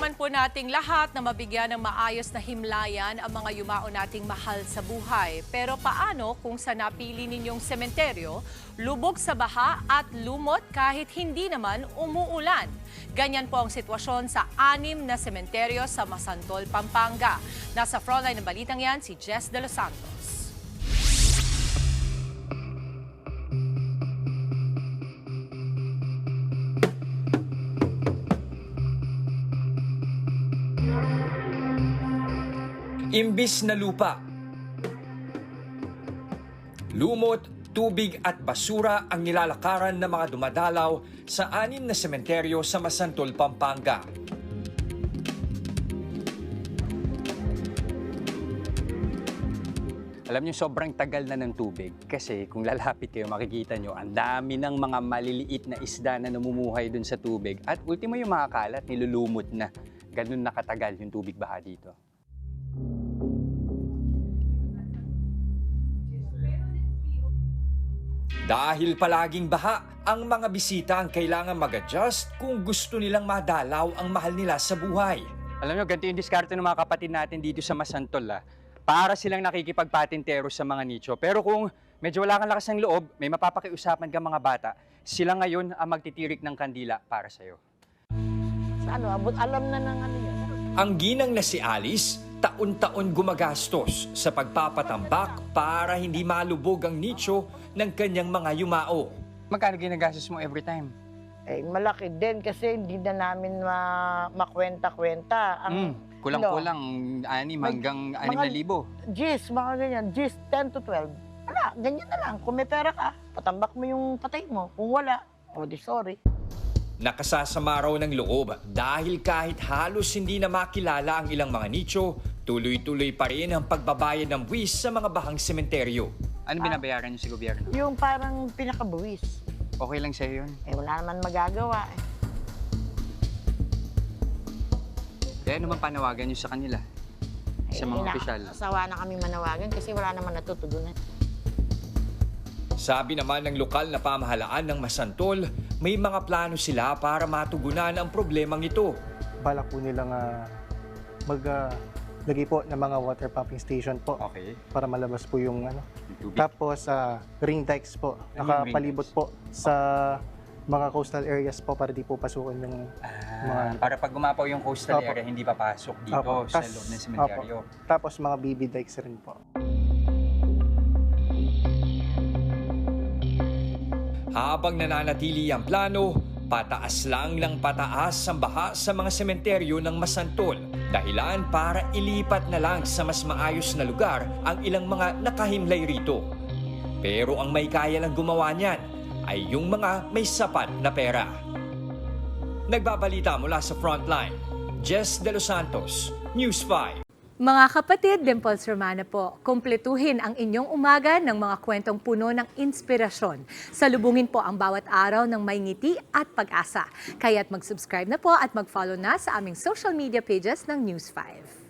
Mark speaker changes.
Speaker 1: naman po nating lahat na mabigyan ng maayos na himlayan ang mga yumao nating mahal sa buhay. Pero paano kung sa napili ninyong sementeryo, lubog sa baha at lumot kahit hindi naman umuulan? Ganyan po ang sitwasyon sa 6 na sementeryo sa Masantol, Pampanga. Nasa frontline ng balitang yan si Jess De Los Santos.
Speaker 2: Imbis na lupa, lumot, tubig at basura ang nilalakaran ng mga dumadalaw sa 6 na sementeryo sa Masantol, Pampanga.
Speaker 3: Alam niyo, sobrang tagal na ng tubig kasi kung lalapit kayo, makikita niyo ang dami ng mga maliliit na isda na namumuhay dun sa tubig at ultimo yung mga kalat, nilulumot na. Ganun nakatagal yung tubig baha dito.
Speaker 2: Dahil palaging baha, ang mga bisita ang kailangan mag-adjust kung gusto nilang madalaw ang mahal nila sa buhay.
Speaker 3: Alam niyo, ganito yung diskarte ng mga kapatid natin dito sa Masantol. Para silang nakikipagpatintero sa mga nicho. Pero kung medyo wala kang lakas ng loob, may mapapakiusapan ka mga bata, sila ngayon ang magtitirik ng kandila para sa'yo.
Speaker 4: Alam na ng ano yan.
Speaker 2: Ang ginang na si Alice, taon-taon gumagastos sa pagpapatambak para hindi malubog ang nicho ng kanyang mga yumao.
Speaker 3: Magkano ginagastos mo every time?
Speaker 4: Eh, malaki din kasi hindi na namin makwenta-kwenta.
Speaker 3: Kulang-kulang 6 hanggang 6,000.
Speaker 4: Gis, mga ganyan. Gis, 10 to 12. Wala, ganyan na lang. Kung may pera ka, patambak mo yung patay mo. Kung wala, di sorry.
Speaker 2: Nakasasama raw ng loob dahil kahit halos hindi na makilala ang ilang mga nicho, tuloy-tuloy pa rin ang pagbabayad ng buwis sa mga bahang sementeryo.
Speaker 3: Ano binabayaran niyo sa gobyerno?
Speaker 4: Yung parang pinakabuwis.
Speaker 3: Okay lang sa'yo yun?
Speaker 4: Eh, wala naman magagawa.
Speaker 3: Kaya naman panawagan niyo sa kanila? Sa mga opisyal?
Speaker 4: Asawa na kami manawagan kasi wala naman natutugunan.
Speaker 2: Sabi naman ng lokal na pamahalaan ng Masantol, may mga plano sila para matugunan ang problemang ito.
Speaker 5: Balak po nilang maglagay po ng mga water pumping station po.
Speaker 3: Okay.
Speaker 5: Para malabas po yung ano.
Speaker 3: Yung tubig.
Speaker 5: Tapos ring dikes po.
Speaker 3: Ano yung
Speaker 5: Nakapalibot
Speaker 3: ring
Speaker 5: po sa mga coastal areas po para di po pasukin yung mga...
Speaker 3: Para pag gumapaw yung coastal
Speaker 5: Opo.
Speaker 3: area, hindi papasok dito
Speaker 5: Opo.
Speaker 3: sa loob ng sementeryo.
Speaker 5: Tapos mga BB dikes rin po.
Speaker 2: Habang nananatili ang plano, pataas lang ng pataas ang baha sa mga sementeryo ng Masantol. Dahilan para ilipat na lang sa mas maayos na lugar ang ilang mga nakahimlay rito. Pero ang may kaya lang gumawa niyan ay yung mga may sapat na pera. Nagbabalita mula sa Frontline, Jess De Los Santos, News 5.
Speaker 6: Mga kapatid, Dimples Romana po, kumpletuhin ang inyong umaga ng mga kwentong puno ng inspirasyon. Salubungin po ang bawat araw ng may ngiti at pag-asa. Kaya't mag-subscribe na po at mag-follow na sa aming social media pages ng News 5.